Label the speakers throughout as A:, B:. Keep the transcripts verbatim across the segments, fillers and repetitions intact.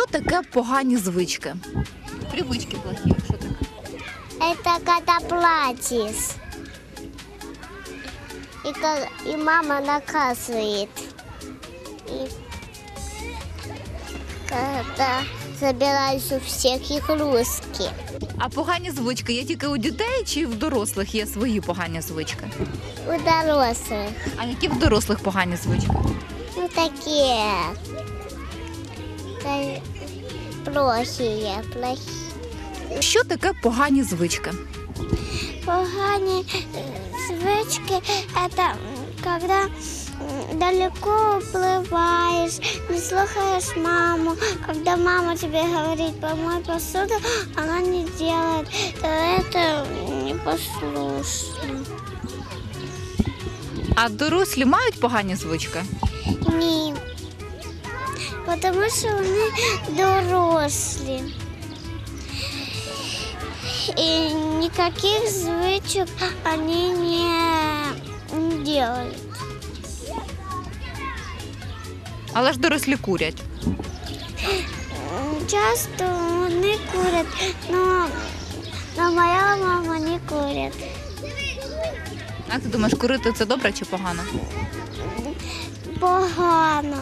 A: Що таке погані звички? Привички плохі, що таке?
B: Это когда платишь. И, ка- и мама наказывает. И когда забираешь у всех игрушки.
A: А погані звички є тільки у дітей чи в дорослих є свої погані звички?
B: У дорослых.
A: А які в дорослих погані звички?
B: Ну, такие. та- Плохие, плохие.
A: Що таке погані звички?
B: Погані е, звички – это м, когда м, далеко уплываешь, не слушаешь маму. Когда мама тебе говорит «помой посуду», она не делает. То это непослушно.
A: А дорослі мають погані звички?
B: Ні. Тому що вони дорослі. И никаких звичок они не, не делают.
A: Але ж дорослі курять.
B: Часто вони курять, но, но моя мама не курить.
A: Як ти думаєш, курити це добре чи погано?
B: Погано.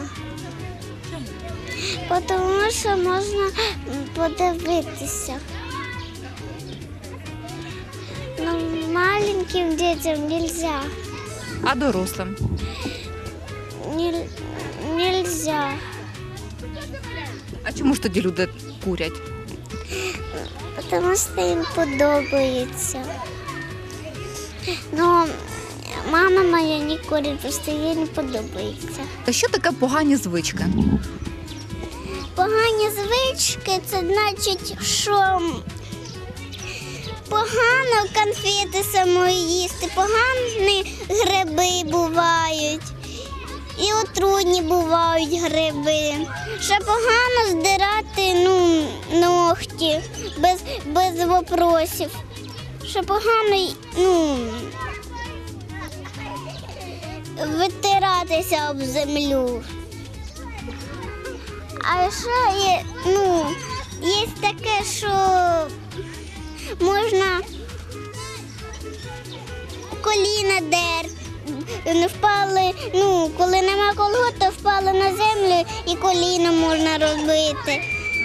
B: Тому що можна подивитися. Но маленьким детям нельзя.
A: А дорослим?
B: Не, нельзя.
A: А чому ж тоді люди курять?
B: Тому що їм подобається. Ну, мама моя не курить, просто їй не подобається.
A: Та що таке погані звички?
B: Погані звички – це значить, що погано конфети самої їсти, погані гриби бувають. І отруйні бувають гриби. Ще погано здирати ну, ногті без, без вопросів. Ще погано ну, витиратися об землю. А ще є, ну, є таке, що можна коліна дер. Впали, ну, коли нема колгот, то впали на землю і коліна можна робити.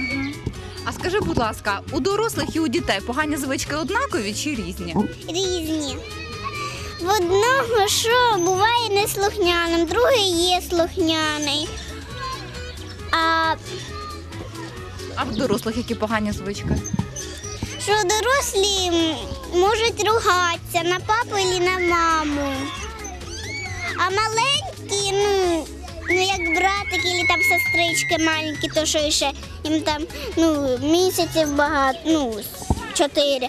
A: А скажи, будь ласка, у дорослих і у дітей погані звички однакові чи різні?
B: Різні. В одного, що буває неслухняним, другий є слухняний. А
A: А в дорослих які погані звички?
B: що дорослі м, можуть ругатися на папу або на маму. А маленькі, ну, ну як братики або там сестрички маленькі, то що ще їм там ну, місяців багато, ну, чотири.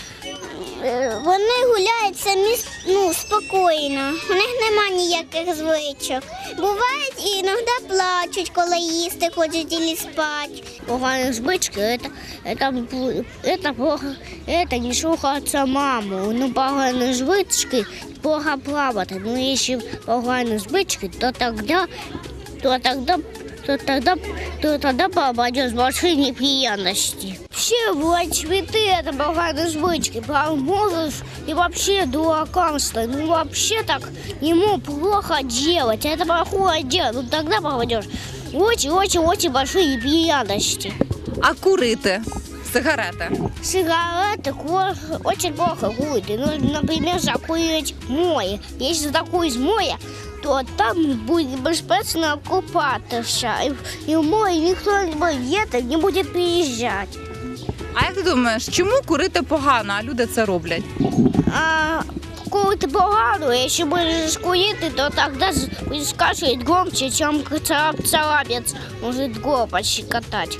B: Е, Вони гуляють самі ну, спокійно, у них нема ніяких звичок. Бувають і іноді плачуть, коли їсти хочуть або спати.
C: Поганые звычки это, это, это плохо, это не слухаться маму. Ну, поганые звычки плохо плавать. Но если поганые звычки, то тогда, то тогда, то тогда, то тогда попадешь в большие неприятности. Все бывают цветы, это поганые звычки. Поможешь и вообще дуракам стать. Ну, вообще так ему плохо делать. Это плохое дело. Ну, тогда попадешь в очень-очень-очень большие неприятности.
A: А курити? Сигарети?
C: Сигареты плохо, очень плохо курить. Ну, например, закурить в море. Если закурить в море, то там будет беспечно купаться. И, и в море никто не, не будет приезжать.
A: А як ти думаєш, чому курити погано, а люди це роблять?
C: А курить погано, если будешь курить, то тогда будешь кашлять громче, чем царапец может горло пощекотать.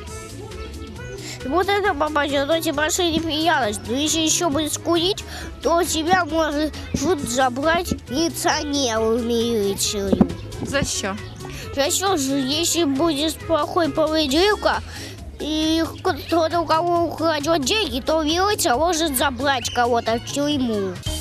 C: Вот это попадет в эти большие неприятности. Но если еще будешь курить, то тебя может забрать милиционеру в милицию.
A: За що?
C: Зачем же, если будет плохой поведенка, и кто-то у кого украдет деньги, то милиция может забрать кого-то в тюрьму.